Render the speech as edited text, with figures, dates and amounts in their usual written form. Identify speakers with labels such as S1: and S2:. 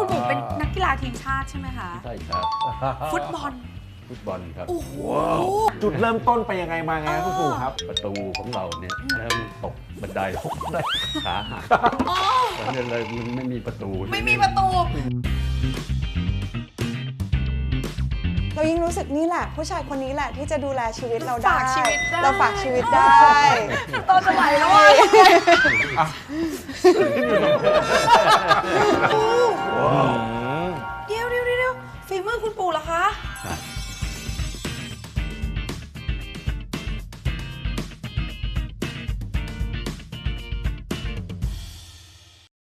S1: คุณปู่เป็นนักกีฬาทีมชาติใช่ไหมคะ
S2: ใช่ครับ
S1: ฟุตบอล
S2: ครับ
S1: โอ้โห
S3: จุดเริ่มต้นไปยังไงมาไงครับคุณปู่ครับ
S2: ประตูของเราเนี่ยเริ่มตกบันไดได้ขาหักตอนนี้เลยมันไม่มีประตู
S1: ไม่มีประตู
S4: เรายิ่งรู้สึกนี่แหละผู้ชายคนนี้แหละที่จะดูแลชีวิตเราได้
S1: ฝากชีวิตได้
S4: เราฝากชีวิตได้
S1: ตอนจะไหลแล้วอ่ะเดี๋ยวฝีมือคุณปู่เหรอคะ
S2: ครับ